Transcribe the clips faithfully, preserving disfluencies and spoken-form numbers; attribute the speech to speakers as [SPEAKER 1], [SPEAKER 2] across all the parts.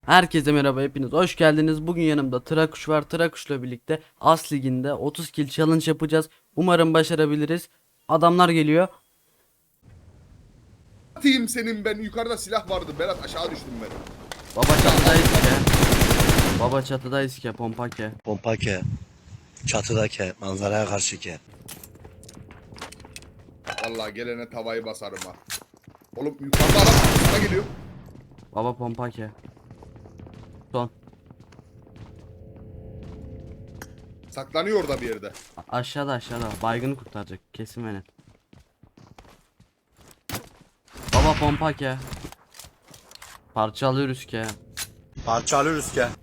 [SPEAKER 1] Herkese merhaba, hepiniz hoş geldiniz. Bugün yanımda Trakuş var. Trakuş'la birlikte As Ligi'nde otuz kill challenge yapacağız. Umarım başarabiliriz. Adamlar geliyor.
[SPEAKER 2] Atayım senin ben. Yukarıda silah vardı. Berat aşağı düştüm ben.
[SPEAKER 1] Baba çatıdayız ki. Baba çatıdayız ki, pompa ki.
[SPEAKER 3] Pompa ke, çatıda ke, manzaraya karşı ke.
[SPEAKER 2] Vallahi gelene tavayı basarım ha. Oğlum yukarıda adam sana geliyor.
[SPEAKER 1] Baba pompa ki. Son.
[SPEAKER 2] Saklanıyor orada bir yerde.
[SPEAKER 1] A- aşağıda aşağıda. Baygını kurtaracak. Kesin beni. Baba pompa ki. Parçalıyoruz ki.
[SPEAKER 3] Parçalıyoruz ke.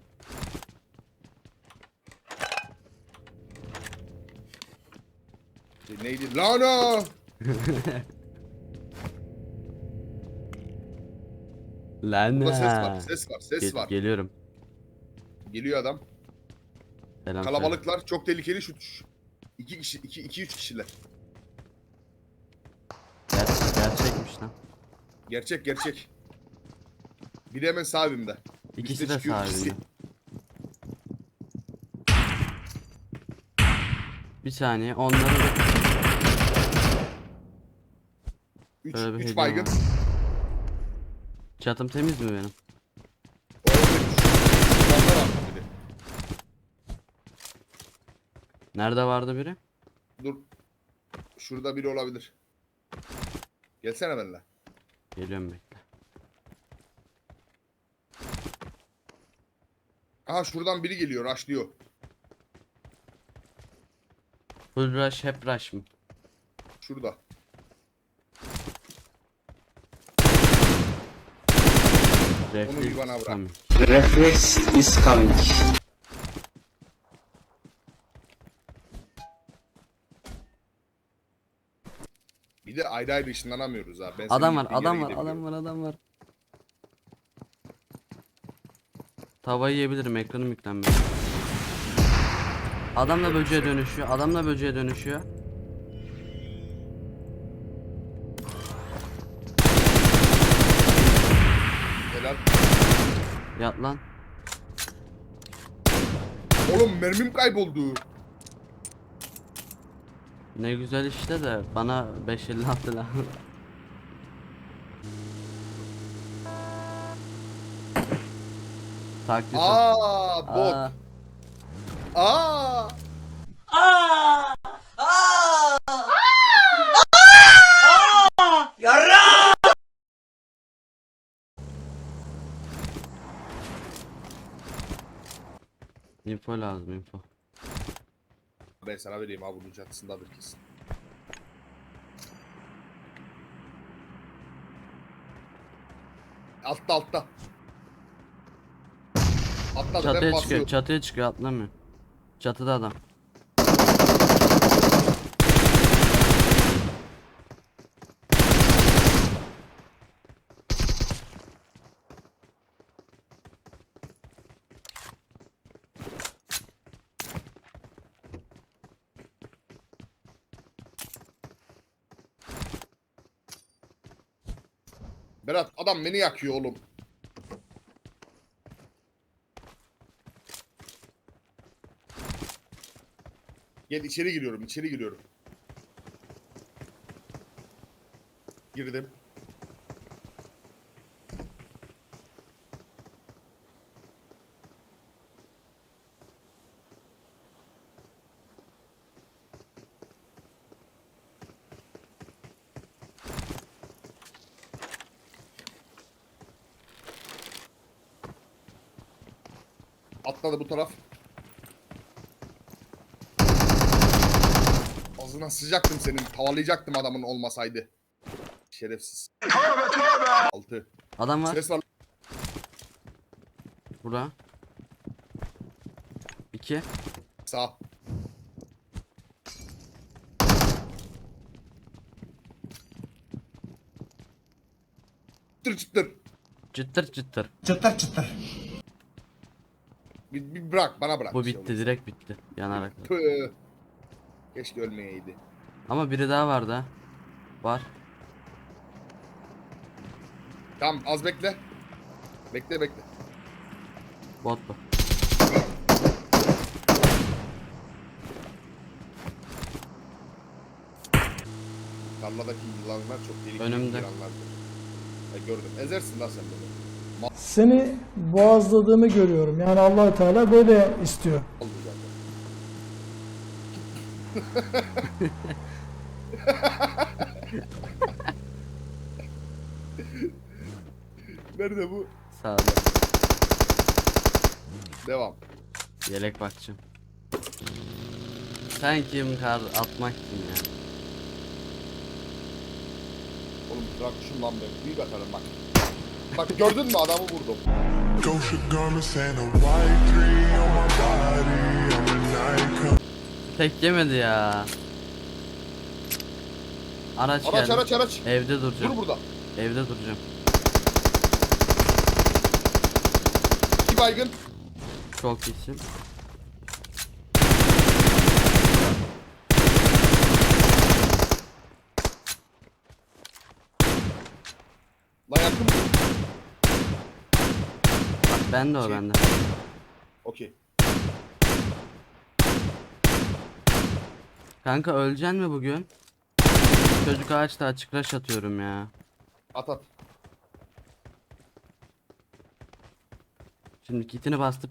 [SPEAKER 2] E, neydi? Lana!
[SPEAKER 1] Lan
[SPEAKER 2] Burada ses var.
[SPEAKER 1] ha.
[SPEAKER 2] Ses var. Ses
[SPEAKER 1] Gel-
[SPEAKER 2] var.
[SPEAKER 1] Geliyorum.
[SPEAKER 2] Geliyor adam.
[SPEAKER 1] Selam.
[SPEAKER 2] Kalabalıklar. Çok tehlikeli şu. İki kişi. iki, iki üç kişiler.
[SPEAKER 1] Ger gerçekmiş lan.
[SPEAKER 2] Gerçek gerçek. Biri hemen sağ evimde.
[SPEAKER 1] İkisi
[SPEAKER 2] Üste
[SPEAKER 1] de
[SPEAKER 2] çıkıyor, ikisi.
[SPEAKER 1] sahibinde. Bir saniye, onları da...
[SPEAKER 2] Üç,
[SPEAKER 1] Böyle bir
[SPEAKER 2] üç
[SPEAKER 1] hediye
[SPEAKER 2] baygın.
[SPEAKER 1] var. Çatım temiz mi benim?
[SPEAKER 2] O evet, üç. Yukarıda var biri.
[SPEAKER 1] Nerede vardı biri?
[SPEAKER 2] Dur. Şurada biri olabilir. Gelsene benimle.
[SPEAKER 1] Geliyorum, bekle.
[SPEAKER 2] Aha şuradan biri geliyor. Raşlıyor.
[SPEAKER 1] Full rush, hep rush mı?
[SPEAKER 2] Şurada. Onu bir bana bırak.
[SPEAKER 1] Tamam.
[SPEAKER 4] Reflex is coming.
[SPEAKER 2] Bir de ayrı ayrı ışınlanamıyoruz ha. Ben
[SPEAKER 1] Adam
[SPEAKER 2] senin
[SPEAKER 1] var,
[SPEAKER 2] gittiğin
[SPEAKER 1] adam
[SPEAKER 2] yere
[SPEAKER 1] var,
[SPEAKER 2] gidebiliyorum.
[SPEAKER 1] adam var, adam var. Tavayı yiyebilirim, ekranım yüklenmiyor. Adam da böceğe dönüşüyor, adam da böceğe dönüşüyor.
[SPEAKER 2] Helal.
[SPEAKER 1] Yat lan.
[SPEAKER 2] Oğlum mermim kayboldu.
[SPEAKER 1] Ne güzel işte de bana beş elli attı lan. Taklit.
[SPEAKER 2] Aa bot.
[SPEAKER 1] Aa,
[SPEAKER 2] Aa.
[SPEAKER 1] info lazım, info.
[SPEAKER 2] Ben sana vereyim ha, bunun çatısındadır kesin. Altta altta. Atladı ben
[SPEAKER 1] Çatıya çıkıyor,
[SPEAKER 2] basıyorum.
[SPEAKER 1] çatıya çıkıyor, atlamıyor. Çatıda adam.
[SPEAKER 2] Berat adam beni yakıyor oğlum. Gel içeri giriyorum, içeri giriyorum. Girdim. Atladı bu taraf. Ağzına sıcaktım senin. Tavalayacaktım adamın olmasaydı. Şerefsiz. Altı.
[SPEAKER 1] Adam var.
[SPEAKER 2] Ses var.
[SPEAKER 1] Bura. İki.
[SPEAKER 2] Sağ. Çıtır çıtır.
[SPEAKER 1] Çıtır çıtır.
[SPEAKER 4] Çıtır çıtır.
[SPEAKER 2] Bir, bir bırak bana bırak.
[SPEAKER 1] Bu
[SPEAKER 2] bir şey
[SPEAKER 1] bitti,
[SPEAKER 2] olmaz.
[SPEAKER 1] direkt bitti. Yanarak.
[SPEAKER 2] Tüh. Keşke ölmeyeydi.
[SPEAKER 1] Ama biri daha vardı ha. Var.
[SPEAKER 2] Tamam az bekle. Bekle bekle.
[SPEAKER 1] Bot bu.
[SPEAKER 2] Tarladaki yılanlar çok tehlikeli
[SPEAKER 1] Önümde.
[SPEAKER 2] yılanlardır. E, gördüm. Ezersin lan sen bunu.
[SPEAKER 5] Seni boğazladığımı görüyorum. Yani Allah Teala böyle istiyor.
[SPEAKER 2] Oldu zaten. Nerede bu?
[SPEAKER 1] Sağda.
[SPEAKER 2] Devam.
[SPEAKER 1] Yelek bakacağım. Sen kim kar atmak kim ya?
[SPEAKER 2] Oğlum bırak şundan be. Büyük atarım bak. Bak gördün mü adamı vurdum.
[SPEAKER 6] Gosha garments and a white three on my body. I'm a night.
[SPEAKER 1] Tek yemedi ya. Araç,
[SPEAKER 2] Araç
[SPEAKER 1] geldi.
[SPEAKER 2] araç araç.
[SPEAKER 1] Evde duracağım.
[SPEAKER 2] Dur burada.
[SPEAKER 1] Evde duracağım.
[SPEAKER 2] İki baygın.
[SPEAKER 1] Çok iyisin.
[SPEAKER 2] Lan yakın mı?
[SPEAKER 1] Bak ben de o
[SPEAKER 2] Şey-
[SPEAKER 1] bende.
[SPEAKER 2] Okey.
[SPEAKER 1] Kanka öleceksin mi bugün? Çocuk ağaçta açık rush atıyorum ya.
[SPEAKER 2] At at.
[SPEAKER 1] Şimdi kitini bastık.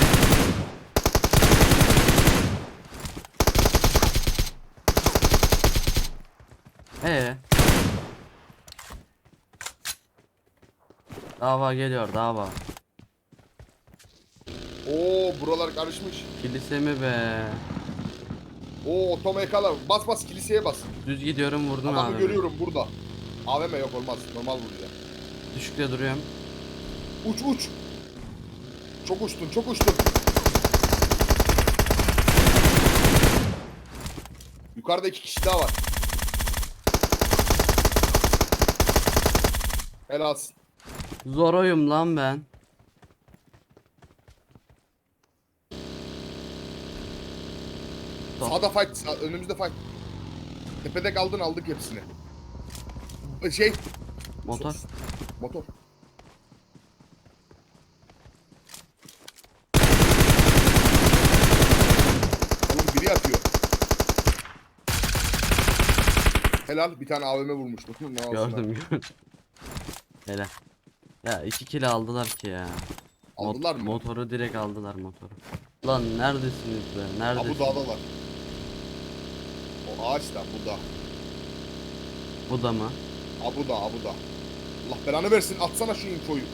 [SPEAKER 1] Ee. Dava geliyor dava.
[SPEAKER 2] Oo buralar karışmış.
[SPEAKER 1] Kilise mi be?
[SPEAKER 2] Oo otomekalar. Bas bas kiliseye bas.
[SPEAKER 1] Düz gidiyorum vurdun
[SPEAKER 2] Adamı
[SPEAKER 1] abi.
[SPEAKER 2] görüyorum burada. A V M yok olmaz. Normal vuracağım.
[SPEAKER 1] Düşükte duruyorum.
[SPEAKER 2] Uç uç. Çok uçtun çok uçtun. Yukarıda iki kişi daha var. Helalsin.
[SPEAKER 1] Zoroyum lan ben. Top.
[SPEAKER 2] Sağda fight. Sağ, önümüzde fight. Tepede kaldın aldık hepsini. Şey.
[SPEAKER 1] Motor.
[SPEAKER 2] Motor. Oğlum biri atıyor. Helal bir tane A V M vurmuştu. Ne olsun lan.
[SPEAKER 1] Gördüm gördüm. Hele. Ya iki kill aldılar ki ya.
[SPEAKER 2] Aldılar
[SPEAKER 1] Mot-
[SPEAKER 2] mı?
[SPEAKER 1] Motoru direkt aldılar motoru. Lan neredesiniz be?
[SPEAKER 2] Ha bu
[SPEAKER 1] Neredesiniz?
[SPEAKER 2] dağdalar. O ağaç da bu da.
[SPEAKER 1] Bu da mı?
[SPEAKER 2] Ha bu da ha bu da. Allah belanı versin atsana şu infoyu.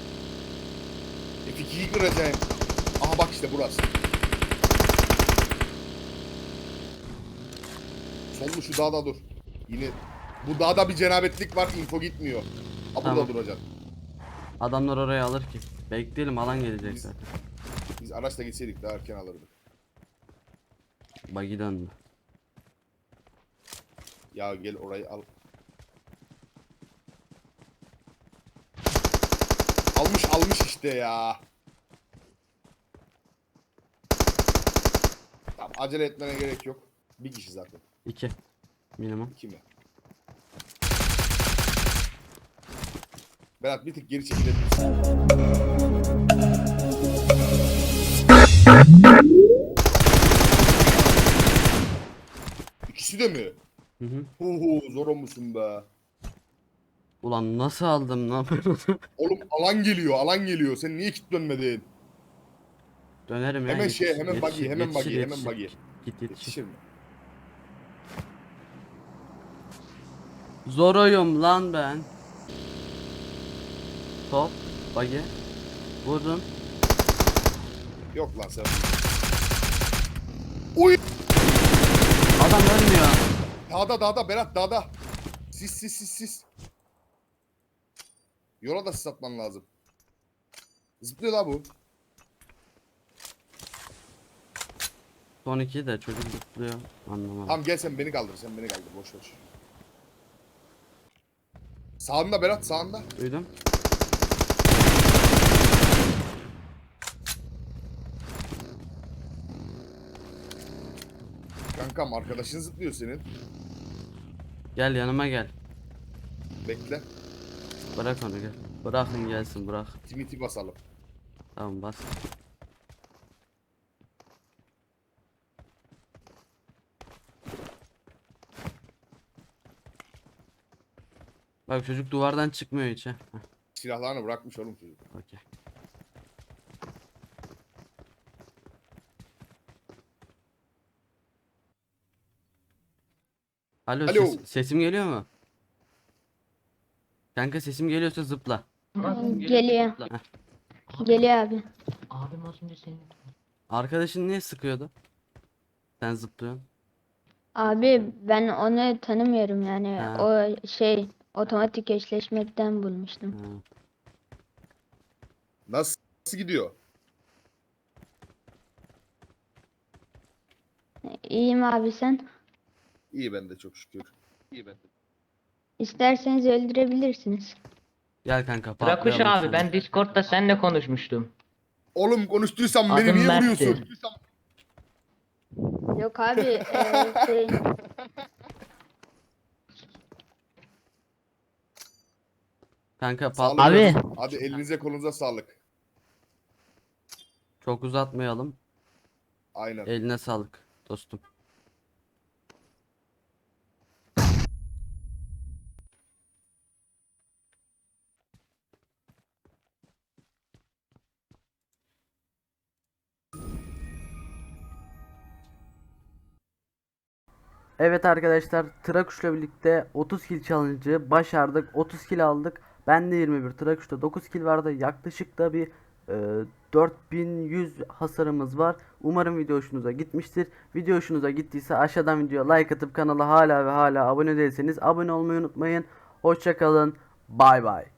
[SPEAKER 2] F ikiyi kıracağım. Aha bak işte burası. Sollu şu dağda dur. Yine bu dağda bir cenabetlik var info gitmiyor. Ha burada
[SPEAKER 1] Tamam.
[SPEAKER 2] duracak.
[SPEAKER 1] Adamlar oraya alır ki. Bekleyelim alan gelecek
[SPEAKER 2] Biz-
[SPEAKER 1] zaten.
[SPEAKER 2] Biz araçla gitseydik daha erken alırdık.
[SPEAKER 1] Buggy döndü.
[SPEAKER 2] Ya gel orayı al. Almış almış işte ya. Tamam acele etmene gerek yok. Bir kişi zaten.
[SPEAKER 1] İki. Minimum.
[SPEAKER 2] İki mi? Berat bir tık geri çekilebilirsin. İkisi de mi?
[SPEAKER 1] Hı hı.
[SPEAKER 2] Hu zor musun be?
[SPEAKER 1] Ulan nasıl aldım lan ben onu?
[SPEAKER 2] Oğlum alan geliyor, alan geliyor. Sen niye kilitlenmedin?
[SPEAKER 1] Dönerim ya.
[SPEAKER 2] Hemen şey,
[SPEAKER 1] yetişir,
[SPEAKER 2] hemen buggy,
[SPEAKER 1] yetişir,
[SPEAKER 2] hemen
[SPEAKER 1] yetişir,
[SPEAKER 2] buggy, hemen
[SPEAKER 1] yetişir.
[SPEAKER 2] buggy.
[SPEAKER 1] Git yetişir.
[SPEAKER 2] Yetişir mi?
[SPEAKER 1] Zoroyum lan ben. Top. Buggy. Vurdum.
[SPEAKER 2] Yok lan sen. Uy!
[SPEAKER 1] Adam ölmüyor.
[SPEAKER 2] Dağda dağda Berat dağda. Sis sis sis sis. Yola da sis atman lazım. Zıplıyor la bu.
[SPEAKER 1] Son iki de çocuk zıplıyor. Anlamadım.
[SPEAKER 2] Tamam gel sen beni kaldır, sen beni kaldır. Boş ver. Sağında Berat, sağında.
[SPEAKER 1] Duydum.
[SPEAKER 2] Kankam arkadaşın zıplıyor senin.
[SPEAKER 1] Gel yanıma gel.
[SPEAKER 2] Bekle.
[SPEAKER 1] Bırak onu gel. Bırakın gelsin bırak.
[SPEAKER 2] Timiti basalım.
[SPEAKER 1] Tamam bas. Bak çocuk duvardan çıkmıyor hiç ha. Heh,
[SPEAKER 2] Silahlarını bırakmış oğlum çocuk.
[SPEAKER 1] okey. Alo,
[SPEAKER 2] Alo.
[SPEAKER 1] ses- sesim geliyor mu? Kanka sesim geliyorsa zıpla.
[SPEAKER 7] Geliyor. Geliyor abi.
[SPEAKER 8] Abim az önce senin
[SPEAKER 1] Arkadaşın niye sıkıyordu? Sen zıplıyorsun.
[SPEAKER 7] Abi ben onu tanımıyorum yani.
[SPEAKER 1] Ha.
[SPEAKER 7] O şey otomatik eşleşmekten bulmuştum.
[SPEAKER 1] Ha.
[SPEAKER 2] Nasıl, nasıl gidiyor?
[SPEAKER 7] İyiyim abi sen.
[SPEAKER 2] İyi ben de çok şükür. İyi ben de.
[SPEAKER 7] İsterseniz öldürebilirsiniz.
[SPEAKER 1] Gel kanka
[SPEAKER 8] Trakuş
[SPEAKER 1] patlayalım
[SPEAKER 8] abi
[SPEAKER 1] seni.
[SPEAKER 8] ben Discord'da seninle konuşmuştum.
[SPEAKER 2] Oğlum konuştuysam beni
[SPEAKER 8] Adım
[SPEAKER 2] niye
[SPEAKER 8] Mert'ti.
[SPEAKER 2] vuruyorsun?
[SPEAKER 7] Yok abi eee, şey
[SPEAKER 1] Kanka
[SPEAKER 2] Sağlık
[SPEAKER 1] patlayalım.
[SPEAKER 2] olsun. Hadi elinize kolunuza sağlık.
[SPEAKER 1] Çok uzatmayalım.
[SPEAKER 2] Aynen.
[SPEAKER 1] Eline sağlık dostum. Evet arkadaşlar, Trakuş'la birlikte otuz kill challenge'ı başardık. otuz kill aldık. Ben de yirmi bir, Trakuş'ta dokuz kill vardı. Yaklaşık da bir e, dört bin yüz hasarımız var. Umarım video hoşunuza gitmiştir. Video hoşunuza gittiyse aşağıdan videoya like atıp kanala hala ve hala abone değilseniz abone olmayı unutmayın. Hoşça kalın. Bay bay.